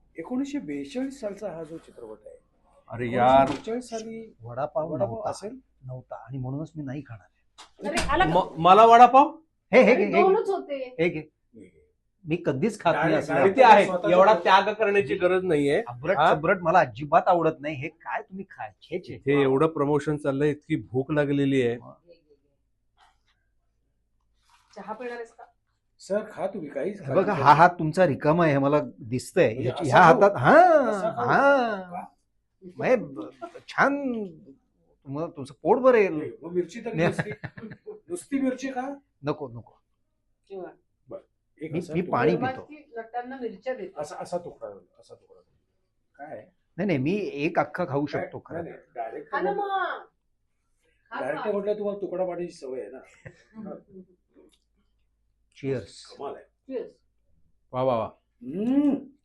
1942 सालचा हा जो चित्रपट आहे, अरे यार 1942 साली वडापाव वडापाव असेल नव्हता आणि म्हणूनच मी नाही खाणार. अरे आला का? मला वडापाव हे हे अरे घे, हे घे, दोनच होते. हे घे. मी कधीच खात नाही Direct- असलं. किती आहे, एवढा त्याग करण्याची गरज नाहीये. अब्रट हा? चब्रट मला अजिबात आवडत नाही. हे काय तुम्ही खाय छे छे. हे एवढं प्रमोशन चाललंय, इतकी भूक लागलेली आहे. चहा पिणार आहेस का? सर खा तुम्ही काहीच हे बघा हा हात तुमचा रिकामा आहे हे मला दिसतंय. म्हणजे ह्या असा हातात असा हा खाऊ. हा छान तुम्हाला तुमचं पोट भरेल. मग मिरची तर नुसती मिरची का नको नको. किंवा एक मी असा मी तुकडा- पाणी निर्मात पितो. की नटांना मिरच्या देते. असा तुकडा काय नाही नाही मी एक अख्खा खाऊ शकतो खरं. डायरेक्ट खा ना मग. खा डायरेक्ट खा. म्हटलं तुम्हाला तुकडा पाण्याची सवय आहे ना. चिअर्स. कमाल आहे. Cheers. वा वा वा.